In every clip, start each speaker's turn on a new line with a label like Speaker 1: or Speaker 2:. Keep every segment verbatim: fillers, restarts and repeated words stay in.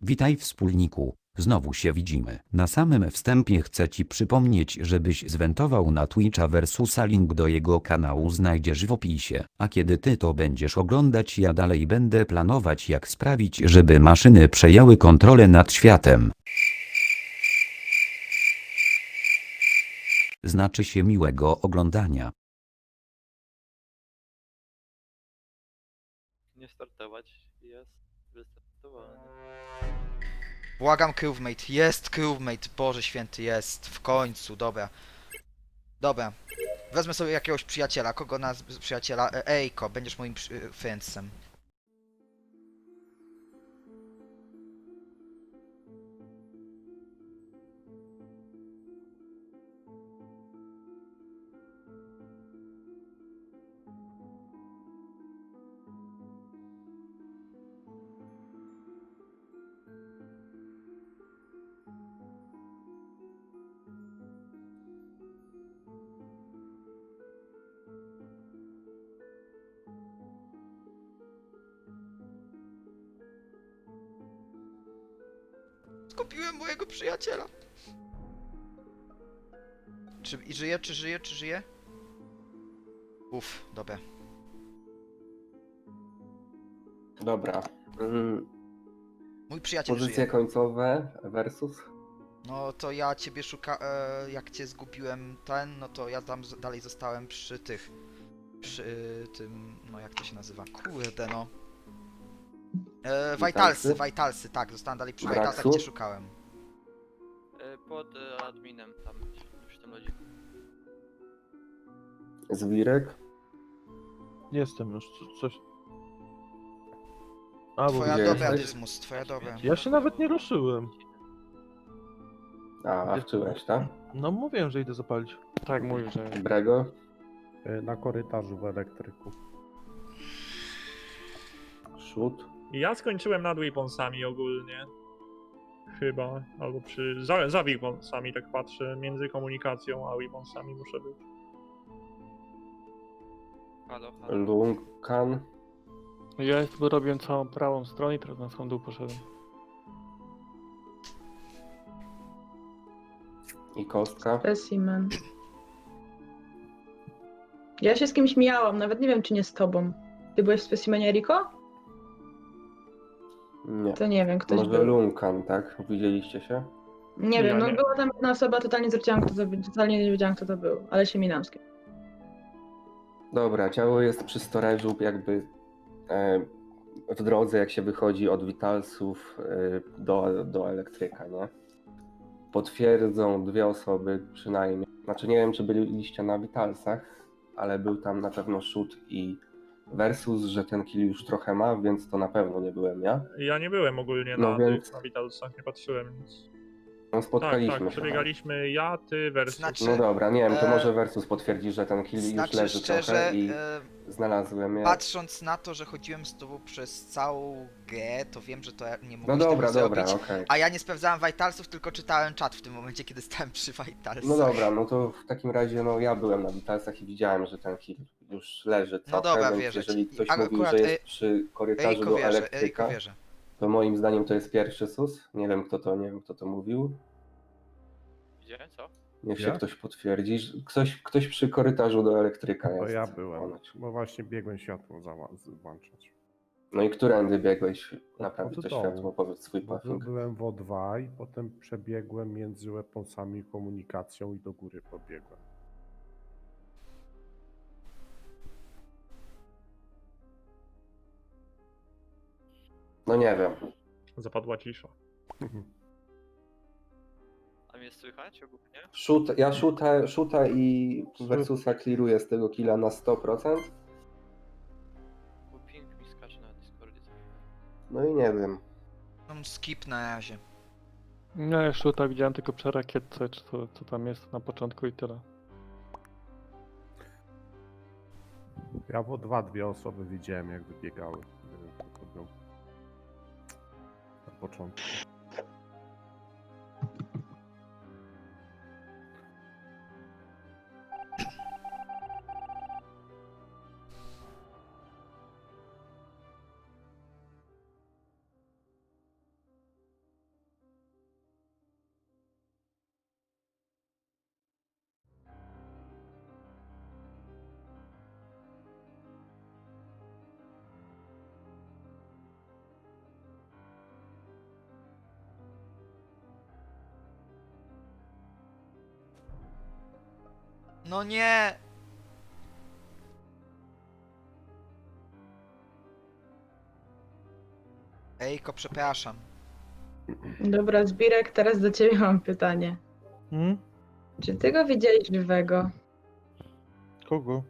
Speaker 1: Witaj wspólniku, znowu się widzimy. Na samym wstępie chcę ci przypomnieć, żebyś zwentował na Twitcha versusa, link do jego kanału znajdziesz w opisie. A kiedy ty to będziesz oglądać, ja dalej będę planować, jak sprawić, żeby maszyny przejęły kontrolę nad światem. Znaczy się miłego oglądania.
Speaker 2: Nie startować, jest wystartowany.
Speaker 3: Błagam, crewmate, jest crewmate, Boże święty, jest, w końcu, dobra. Dobra, wezmę sobie jakiegoś przyjaciela, kogo nas przyjaciela, E, Ejko, będziesz moim przy- friendsem. Zgubiłem mojego przyjaciela. Czy i żyje, czy żyje, czy żyje? Uff, dobra.
Speaker 4: Dobra. Mm,
Speaker 3: Mój przyjaciel
Speaker 4: pozycje
Speaker 3: żyje.
Speaker 4: końcowe versus.
Speaker 3: No to ja ciebie szuka... E, jak cię zgubiłem ten, no to ja tam z- dalej zostałem przy tych... Przy tym... no jak to się nazywa? Kurde no. E,
Speaker 4: Vitalsy?
Speaker 3: Vitalsy, Vitalsy, tak, zostałem dalej przy
Speaker 4: Braxu?
Speaker 3: Vitalsach, cię szukałem.
Speaker 2: E, Pod e, adminem tam, przy tym lodziku.
Speaker 4: Zwirek.
Speaker 5: Jestem już, co- coś... A, bo
Speaker 3: Twoja
Speaker 4: gdzie
Speaker 3: dobra,
Speaker 4: jesteś?
Speaker 3: Dysmus, twoja dobra.
Speaker 5: ja się nawet nie ruszyłem.
Speaker 4: A, a wczyłeś, tak?
Speaker 5: No mówiłem, że idę zapalić.
Speaker 6: Tak, mówił, że
Speaker 4: Brego.
Speaker 7: Y, Na korytarzu w elektryku.
Speaker 4: Szut.
Speaker 8: Ja skończyłem nad weaponsami ogólnie. Chyba, albo przy... Za, za weaponsami tak patrzę, między komunikacją a weaponsami muszę być.
Speaker 2: Halo, halo.
Speaker 4: Lunkan.
Speaker 6: ja sobie robiłem całą prawą stronę i teraz na sam dół poszedłem.
Speaker 4: I kostka.
Speaker 9: Specimen. Ja się z kimś mijałam, nawet nie wiem, czy nie z tobą. Ty byłeś w specimenie, Riko?
Speaker 4: Nie.
Speaker 9: To nie wiem, ktoś
Speaker 4: Może
Speaker 9: był.
Speaker 4: Lunkan, tak? Widzieliście się?
Speaker 9: Nie wiem,
Speaker 8: Ja
Speaker 9: no
Speaker 8: nie.
Speaker 9: była tam jedna osoba, totalnie zwróciłam, kto to był, totalnie nie wiedziałam, kto to był, ale się minam z kim.
Speaker 4: Dobra, ciało jest przy storage'u jakby e, w drodze, jak się wychodzi od Vitalsów e, do, do elektryka, nie? Potwierdzą dwie osoby przynajmniej. Znaczy nie wiem, czy byliście na Vitalsach, ale był tam na pewno Shoot i Versus, że ten kill już trochę ma, więc to na pewno nie byłem ja.
Speaker 8: Ja nie byłem ogólnie
Speaker 4: No
Speaker 8: na
Speaker 4: więc-
Speaker 8: tych, na Vitalsach, nie patrzyłem nic.
Speaker 4: No
Speaker 8: Tak,
Speaker 4: spotkaliśmy
Speaker 8: tak,
Speaker 4: się.
Speaker 8: przebiegaliśmy ja, ty versus.
Speaker 3: Znaczy-
Speaker 4: No dobra, nie wiem, to
Speaker 3: E,
Speaker 4: może Versus potwierdzi, że ten kill już
Speaker 3: Znaczy
Speaker 4: leży
Speaker 3: szczerze,
Speaker 4: trochę i
Speaker 3: e,
Speaker 4: znalazłem je.
Speaker 3: patrząc na to, że chodziłem z tobą przez całą grę, to wiem, że to ja nie
Speaker 4: No
Speaker 3: mogłeś
Speaker 4: dobra,
Speaker 3: tego
Speaker 4: dobra,
Speaker 3: zrobić.
Speaker 4: okej.
Speaker 3: A ja nie sprawdzałem Vitalsów, tylko czytałem czat w tym momencie, kiedy stałem przy Vitalsach.
Speaker 4: No dobra, no to w takim razie no ja byłem na Vitalsach i widziałem, że ten kill już leży trochę,
Speaker 3: No dobra,
Speaker 4: więc
Speaker 3: wierzę ci.
Speaker 4: jeżeli ktoś
Speaker 3: A
Speaker 4: mówił,
Speaker 3: akurat,
Speaker 4: że jest
Speaker 3: e,
Speaker 4: przy korytarzu
Speaker 3: Ejko
Speaker 4: do
Speaker 3: wierzę, Ejko
Speaker 4: elektryka,
Speaker 3: wierzę.
Speaker 4: to moim zdaniem to jest pierwszy sus. Nie wiem kto to, nie wiem kto to mówił.
Speaker 2: Gdzie? Co?
Speaker 4: Niech się
Speaker 7: Ja?
Speaker 4: ktoś potwierdzi. że Ktoś, ktoś przy korytarzu do elektryka
Speaker 7: To
Speaker 4: jest.
Speaker 7: ja byłem,
Speaker 4: ponoć.
Speaker 7: bo właśnie biegłem światło zała- z- włączać.
Speaker 4: No i którędy biegłeś
Speaker 7: Od-
Speaker 4: naprawić
Speaker 7: od
Speaker 4: to
Speaker 7: dołu.
Speaker 4: światło, powiedz swój
Speaker 7: Bo by-
Speaker 4: puffing.
Speaker 7: byłem w O dwa i potem przebiegłem między weaponsami i komunikacją i do góry pobiegłem.
Speaker 4: No nie wiem.
Speaker 8: Zapadła cisza.
Speaker 2: A mnie słychać ogólnie?
Speaker 4: Shoot, ja shoota, shoota i Versusa clearuję z tego killa na sto procent.
Speaker 2: Bo ping mi skacze na Discordzie.
Speaker 4: No i nie wiem.
Speaker 3: No, skip na razie.
Speaker 6: Ja jeszcze tak widziałem tylko przy rakietce, czy to, co tam jest na początku i tyle.
Speaker 7: Ja w O dwa dwie osoby widziałem, jak wybiegały. Nie wiem, kto to był. Na początku.
Speaker 3: No nie! Ejko, przepraszam.
Speaker 9: Dobra, Zbirek, teraz do ciebie mam pytanie.
Speaker 5: Hmm?
Speaker 9: Czy ty go widziałeś żywego?
Speaker 5: Kogo?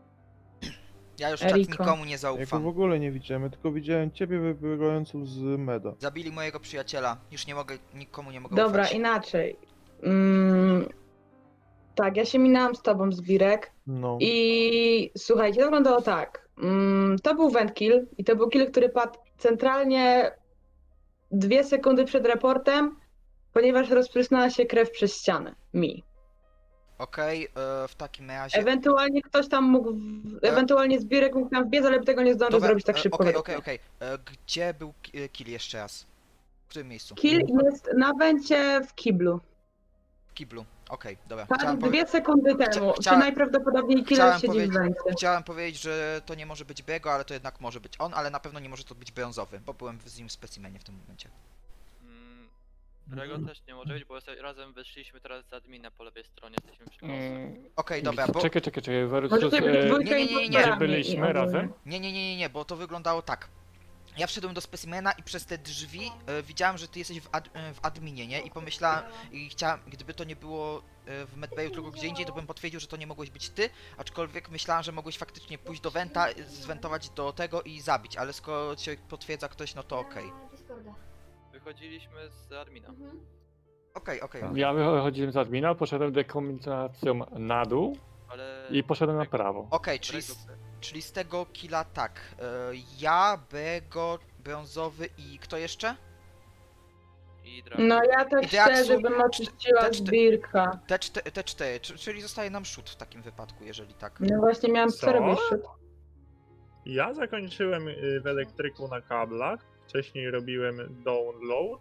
Speaker 3: Ja już czat
Speaker 9: Eriko.
Speaker 3: nikomu nie
Speaker 5: Ja go w
Speaker 3: zaufam.
Speaker 5: ogóle nie widziałem, ja tylko widziałem ciebie wybiegającą z meda.
Speaker 3: Zabili mojego przyjaciela. Już nie mogę, nikomu nie mogę
Speaker 9: Dobra,
Speaker 3: ufać.
Speaker 9: inaczej. Mm, tak, ja się minęłam z tobą, Zbirek.
Speaker 5: No.
Speaker 9: I słuchajcie, to wyglądało tak. Mm, to był went kill i to był kill, który padł centralnie dwie sekundy przed raportem, ponieważ rozprysnęła się krew przez ścianę. Mi.
Speaker 3: Okej, e, w takim razie...
Speaker 9: Ewentualnie ktoś tam mógł, w... ewentualnie Zbirek mógł tam wbiec, ale tego nie zdążył
Speaker 3: Dobra,
Speaker 9: zrobić tak
Speaker 3: e,
Speaker 9: szybko.
Speaker 3: Okej,
Speaker 9: według
Speaker 3: okej,
Speaker 9: mnie.
Speaker 3: okej. E, Gdzie był ki- e, kill jeszcze raz? W którym miejscu?
Speaker 9: Kill jest na wencie w kiblu.
Speaker 3: W kiblu. Okej, dobra.
Speaker 9: Padł
Speaker 3: Chciałem, powie-
Speaker 9: dwie sekundy
Speaker 3: chcia-
Speaker 9: temu.
Speaker 3: chciałem-
Speaker 9: Czy najprawdopodobniej killer
Speaker 3: chciałem
Speaker 9: siedzi w
Speaker 3: powiedzieć-
Speaker 9: wencie?
Speaker 3: Chciałem powiedzieć, że to nie może być Bego, ale to jednak może być on, ale na pewno nie może to być brązowy, bo byłem z nim w specimenie w tym momencie.
Speaker 2: Mm, Rego też nie może być, bo sobie razem wyszliśmy teraz z admina po lewej stronie, jesteśmy przy kosach.
Speaker 6: Mm,
Speaker 3: Okej, dobra, bo...
Speaker 6: Czekaj, czekaj, czekaj, versus...
Speaker 9: Możecie być
Speaker 6: e,
Speaker 9: dwójką
Speaker 3: nie, nie, nie, nie, nie.
Speaker 9: impostorami
Speaker 6: Byliśmy
Speaker 9: i ogólnie.
Speaker 6: razem?
Speaker 3: Nie, nie, nie, nie, nie, bo to wyglądało tak. Ja wszedłem do specimena i przez te drzwi e, widziałem, że ty jesteś w, ad, e, w adminie, nie? I pomyślałem, i chciałem, gdyby to nie było e, w medbayu, tylko gdzie indziej, to bym potwierdził, że to nie mogłeś być ty, aczkolwiek myślałem, że mogłeś faktycznie pójść do Wenta, e, zwentować do tego i zabić, ale skoro cię potwierdza ktoś, no to okej.
Speaker 2: Wychodziliśmy z admina.
Speaker 3: Okej, okej.
Speaker 6: Ja wychodziłem z admina, poszedłem dekombinacją na dół
Speaker 2: Ale...
Speaker 6: i poszedłem na prawo.
Speaker 3: Okej, czyli,
Speaker 2: Rego-
Speaker 3: z- czyli z tego killa tak. E, ja, Bego, brązowy i kto jeszcze?
Speaker 2: I Drago.
Speaker 9: No ja tak
Speaker 3: I Deaksu-
Speaker 9: szczerze bym oczyściła
Speaker 3: te czty-
Speaker 9: Zbirka.
Speaker 3: Te, czte, te cztery, czy- czyli zostaje nam shoot w takim wypadku, jeżeli tak.
Speaker 9: No właśnie miałam co,
Speaker 8: Co?
Speaker 9: robić szut.
Speaker 8: Ja zakończyłem y, w elektryku na kablach. Wcześniej robiłem download.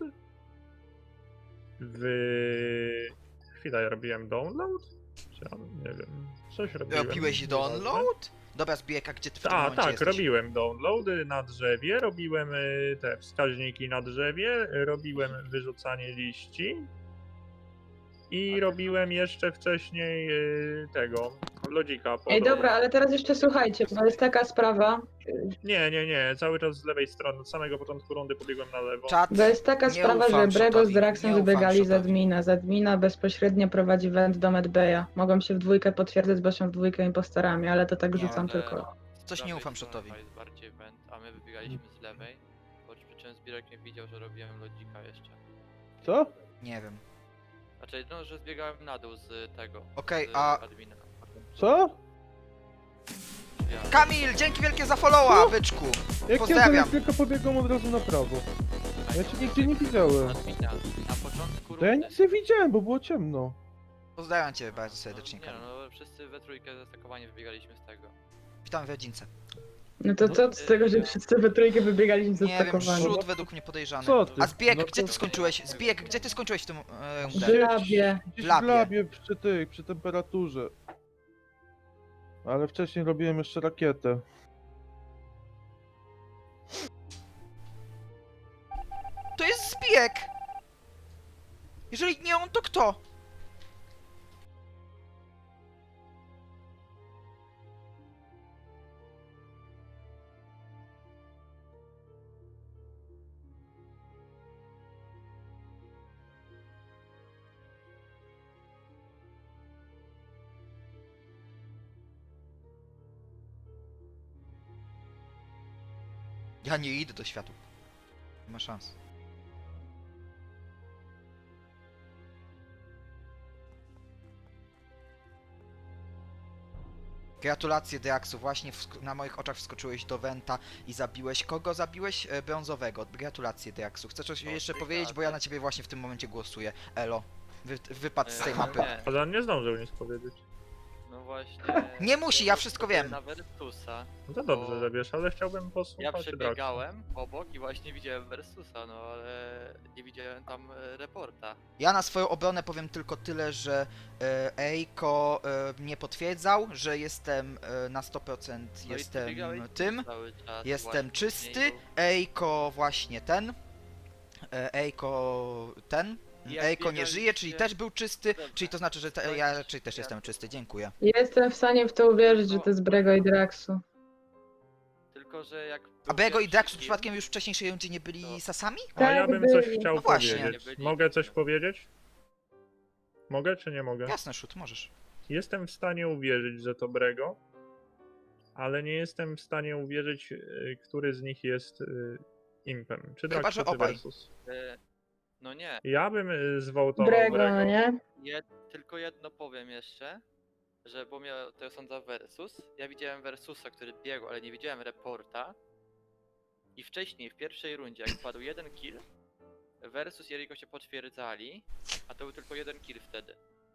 Speaker 8: W... Chwila, ja robiłem download? Czy ja nie wiem. Coś robiłem.
Speaker 3: Robiłeś
Speaker 8: nieważne.
Speaker 3: download? Dobra, Zbijeka, gdzie ty w tym
Speaker 8: A,
Speaker 3: momencie
Speaker 8: tak,
Speaker 3: jesteś?
Speaker 8: robiłem downloady na drzewie, robiłem y, te wskaźniki na drzewie, robiłem wyrzucanie liści i robiłem jeszcze wcześniej y, tego, lodzika. po
Speaker 9: Ej
Speaker 8: drodze.
Speaker 9: dobra, ale teraz jeszcze słuchajcie, bo jest taka sprawa,
Speaker 8: Nie, nie, nie, cały czas z lewej strony, od samego początku rundy pobiegłem na lewo.
Speaker 3: Czat,
Speaker 9: bo jest taka
Speaker 3: Nie
Speaker 9: sprawa, że
Speaker 3: ufam
Speaker 9: Brego z
Speaker 3: Shotowi,
Speaker 9: Draxem
Speaker 3: nie ufam
Speaker 9: wybiegali z
Speaker 3: Shotowi.
Speaker 9: admina. Z admina bezpośrednio prowadzi went do Medbeja. Mogą się w dwójkę potwierdzać, bo są w dwójkę impostorami, ale to tak
Speaker 3: Nie,
Speaker 9: rzucam
Speaker 2: ale-
Speaker 9: tylko.
Speaker 3: coś nie
Speaker 2: prawej
Speaker 3: ufam
Speaker 2: strony
Speaker 3: Shotowi.
Speaker 2: Jest bardziej went, a my wybiegaliśmy z lewej. Bo przy czym Zbirek nie widział, że robiłem lodzika jeszcze.
Speaker 5: Co?
Speaker 3: Nie wiem.
Speaker 2: Znaczy, no, że zbiegałem na dół z tego.
Speaker 3: Okej,
Speaker 2: z
Speaker 3: a-
Speaker 2: admina.
Speaker 5: Co?
Speaker 2: Ja.
Speaker 3: Kamil, dzięki wielkie za followa, byczku!
Speaker 5: Jak ja
Speaker 3: Pozdrawiam.
Speaker 5: do tylko pobiegłem od razu na prawo. Ja cię nigdzie nie widziałem.
Speaker 2: Admina. Na początku
Speaker 5: To ja
Speaker 2: rundy.
Speaker 5: nic nie widziałem, bo było ciemno.
Speaker 3: Pozdrawiam cię bardzo serdecznie,
Speaker 2: Nie
Speaker 3: Kamil.
Speaker 2: no, wszyscy we trójkę zastakowani wybiegaliśmy z tego.
Speaker 3: Witam w rodzince.
Speaker 9: No to co z tego, że wszyscy we trójkę wybiegaliśmy
Speaker 3: Nie wiem,
Speaker 9: zastakowani?
Speaker 3: rzut według mnie podejrzany.
Speaker 5: Co ty?
Speaker 3: A Zbijek,
Speaker 5: No
Speaker 3: gdzie
Speaker 5: to-
Speaker 3: ty skończyłeś? Zbijek, gdzie ty skończyłeś w tym e, rundę?
Speaker 9: W labie.
Speaker 5: Gdzieś
Speaker 3: W
Speaker 5: w
Speaker 3: labie.
Speaker 5: labie przy tej, przy temperaturze. Ale wcześniej robiłem jeszcze rakietę.
Speaker 3: To jest Zbijek! Jeżeli nie on, to kto? Ja nie idę do światła. Nie ma szans. Gratulacje Deaksu, właśnie wsk- na moich oczach wskoczyłeś do Wenta i zabiłeś. Kogo zabiłeś? E, brązowego. Gratulacje Deaksu. Chcesz coś jeszcze powiedzieć, bo ja na ciebie właśnie w tym momencie głosuję. Elo. Wy, wypadł z tej
Speaker 2: E,
Speaker 3: mapy.
Speaker 2: Nie,
Speaker 8: Ale on nie zdążył nic powiedzieć.
Speaker 2: no właśnie.
Speaker 3: Nie musi, ja wszystko wiem.
Speaker 2: Na Versusa.
Speaker 8: No to dobrze,
Speaker 2: Bo
Speaker 8: że wiesz, ale chciałbym
Speaker 2: Ja
Speaker 8: posłuchać Draxa.
Speaker 2: przebiegałem obok i właśnie widziałem Versusa, no ale nie widziałem tam e, reporta.
Speaker 3: Ja na swoją obronę powiem tylko tyle, że e, Eiko e, mnie potwierdzał, że jestem e, na sto procent
Speaker 2: No i ty
Speaker 3: jestem
Speaker 2: biegałeś
Speaker 3: tym.
Speaker 2: cały czas
Speaker 3: Jestem
Speaker 2: właśnie
Speaker 3: czysty.
Speaker 2: mniej, bo-
Speaker 3: Eiko właśnie ten. E, Eiko ten.
Speaker 2: Jak
Speaker 3: Ejko nie żyje, czyli
Speaker 2: biegaliście-
Speaker 3: też był czysty,
Speaker 2: Dobrze.
Speaker 3: czyli to znaczy, że te, ja raczej też jestem czysty, dziękuję.
Speaker 9: Jestem w stanie w to uwierzyć, że to jest Brego i Draxu.
Speaker 2: Tylko, że jak...
Speaker 3: A
Speaker 2: był
Speaker 3: Bego i
Speaker 2: pierwszy
Speaker 3: Draxu
Speaker 2: kill-
Speaker 3: przypadkiem już w wcześniejszej rundzie nie byli
Speaker 2: To-
Speaker 3: sasami?
Speaker 8: A ja
Speaker 9: Tak,
Speaker 8: bym coś
Speaker 9: byli.
Speaker 8: chciał
Speaker 3: No właśnie.
Speaker 8: powiedzieć.
Speaker 2: Byli.
Speaker 8: Mogę coś powiedzieć? Mogę czy nie mogę?
Speaker 3: Jasne, shoot, możesz.
Speaker 8: Jestem w stanie uwierzyć, że to Brego, ale nie jestem w stanie uwierzyć, y, który z nich jest y, impem. Czy
Speaker 3: Chyba,
Speaker 8: Draxu,
Speaker 3: że
Speaker 8: czy
Speaker 3: obaj.
Speaker 8: Versus.
Speaker 2: E, No nie,
Speaker 8: Ja bym y, zwołtował
Speaker 9: Brego,
Speaker 8: Brego.
Speaker 9: no nie?
Speaker 2: jed, tylko jedno powiem jeszcze, że bo mnie to sądza Versus, ja widziałem Versusa, który biegł, ale nie widziałem reporta. I wcześniej, w pierwszej rundzie, jak padł jeden kill, Versus i Eriko się potwierdzali, a to był tylko jeden kill wtedy.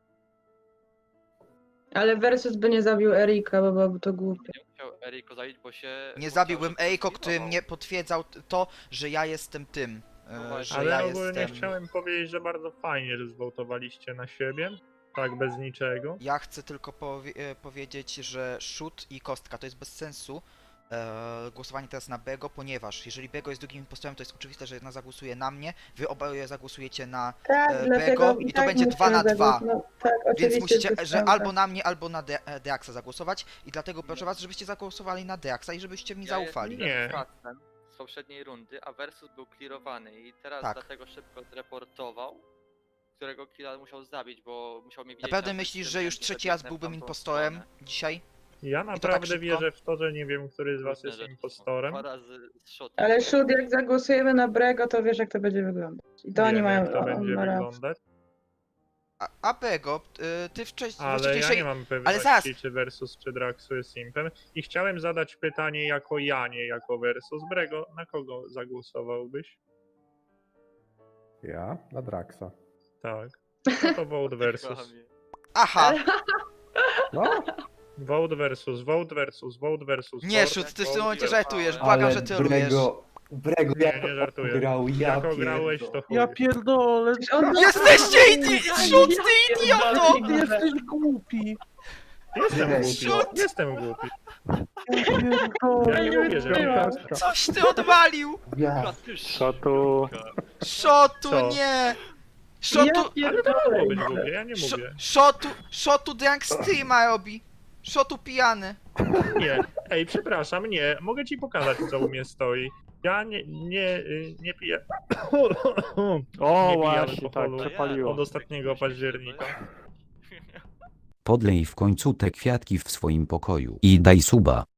Speaker 9: Ale Versus by nie zabił Erika, bo byłoby to głupie.
Speaker 2: Nie musiał Eriko zabić, bo się...
Speaker 3: Nie
Speaker 2: bo
Speaker 3: zabiłbym
Speaker 2: cały czas
Speaker 3: Ejko, który
Speaker 2: zlikwidował.
Speaker 3: mnie potwierdzał t- to, że ja jestem tym.
Speaker 2: No
Speaker 3: e,
Speaker 2: właśnie.
Speaker 3: Że
Speaker 8: Ale
Speaker 3: ja
Speaker 8: ogólnie
Speaker 3: jestem...
Speaker 8: chciałem powiedzieć, że bardzo fajnie, że zwołtowaliście na siebie. Tak, bez niczego.
Speaker 3: Ja chcę tylko powie e, powiedzieć, że shoot i kostka to jest bez sensu. E, głosowanie teraz na Bego, ponieważ jeżeli Bego jest drugim impostorem, to jest oczywiste, że jedna zagłosuje na mnie, wy oboje zagłosujecie na...
Speaker 9: Tak,
Speaker 3: E,
Speaker 9: dlatego
Speaker 3: Bego i to będzie dwa na dwa.
Speaker 9: No, tak,
Speaker 3: Więc
Speaker 9: oczywiście,
Speaker 3: musicie,
Speaker 9: bez
Speaker 3: że
Speaker 9: sensu.
Speaker 3: albo na mnie, albo na De e, Deaxa zagłosować i dlatego proszę was, żebyście zagłosowali na Deaxa i żebyście mi
Speaker 2: Ja
Speaker 3: zaufali.
Speaker 2: jestem
Speaker 8: Nie.
Speaker 2: facetem z poprzedniej rundy, a Versus był clearowany i teraz
Speaker 3: Tak.
Speaker 2: dlatego szybko zreportował, którego killa musiał zabić, bo musiał mnie widzieć.
Speaker 3: Naprawdę
Speaker 2: na
Speaker 3: myślisz,
Speaker 2: tym
Speaker 3: że już
Speaker 2: względzie,
Speaker 3: trzeci
Speaker 2: że
Speaker 3: raz
Speaker 2: biegnę w
Speaker 3: byłbym
Speaker 2: tamtą
Speaker 3: impostorem
Speaker 2: stronę.
Speaker 3: dzisiaj?
Speaker 8: Ja
Speaker 3: tak
Speaker 8: naprawdę
Speaker 3: szybko?
Speaker 8: wierzę w to, że nie wiem, który z was
Speaker 2: Różne
Speaker 8: jest
Speaker 2: rzeczy są.
Speaker 8: impostorem.
Speaker 2: Dwa razy z shotem.
Speaker 9: Ale Shud, jak zagłosujemy na Brego, to wiesz, jak to będzie wyglądać. I to oni
Speaker 8: Wiem,
Speaker 9: mają
Speaker 8: jak to
Speaker 9: o,
Speaker 8: będzie
Speaker 9: na rację.
Speaker 8: wyglądać.
Speaker 3: A, a Bego, y, ty wcześniej...
Speaker 8: Ale ja nie mam pewności,
Speaker 3: zaraz.
Speaker 8: czy Versus, czy Draxu jest impem. I chciałem zadać pytanie jako ja, nie jako Versus. Brego, na kogo zagłosowałbyś?
Speaker 7: Ja? Na Draxa.
Speaker 8: Tak. No to vote versus.
Speaker 2: Kłamie.
Speaker 3: Aha!
Speaker 7: No,
Speaker 8: Vote versus, vote versus, vote versus.
Speaker 3: Nie,
Speaker 8: vote,
Speaker 3: Shoot, ty w
Speaker 8: vote
Speaker 3: tym momencie
Speaker 8: versus.
Speaker 3: żartujesz, błagam, że trolujesz.
Speaker 10: Brego, Brego,
Speaker 8: Nie,
Speaker 10: jak
Speaker 8: nie żartuję.
Speaker 10: grał, ja
Speaker 8: Jak ograłeś, to
Speaker 10: pierdolę.
Speaker 8: chuj.
Speaker 5: Ja pierdolę,
Speaker 9: On-
Speaker 3: Jesteście idi- Shoot, ty idioto!
Speaker 5: ty jesteś głupi.
Speaker 8: Jestem
Speaker 10: Ej,
Speaker 8: głupi.
Speaker 3: Shoot!
Speaker 8: Jestem głupi.
Speaker 5: Ja pierdolę.
Speaker 8: Ja nie mówię, że nie.
Speaker 5: Kastra.
Speaker 3: Coś ty odwalił!
Speaker 10: Ja,
Speaker 6: Co tu?
Speaker 3: Shotu,
Speaker 8: Co?
Speaker 3: nie!
Speaker 9: Ja
Speaker 3: Shotu...
Speaker 8: Ale to
Speaker 9: pierdolę.
Speaker 8: mogło być głupie, ja nie
Speaker 3: Szo-
Speaker 8: mówię.
Speaker 3: Shotu... Shotu drunk streama robi! Shotu pijany!
Speaker 8: Nie. Ej, przepraszam, nie. Mogę ci pokazać, co u mnie stoi. Ja nie, nie, y, nie piję.
Speaker 6: O,
Speaker 8: Nie
Speaker 6: właśnie,
Speaker 8: pijamy
Speaker 6: tak,
Speaker 8: alkoholu
Speaker 6: przepaliło.
Speaker 8: od ostatniego października.
Speaker 1: Podlej w końcu te kwiatki w swoim pokoju i daj suba.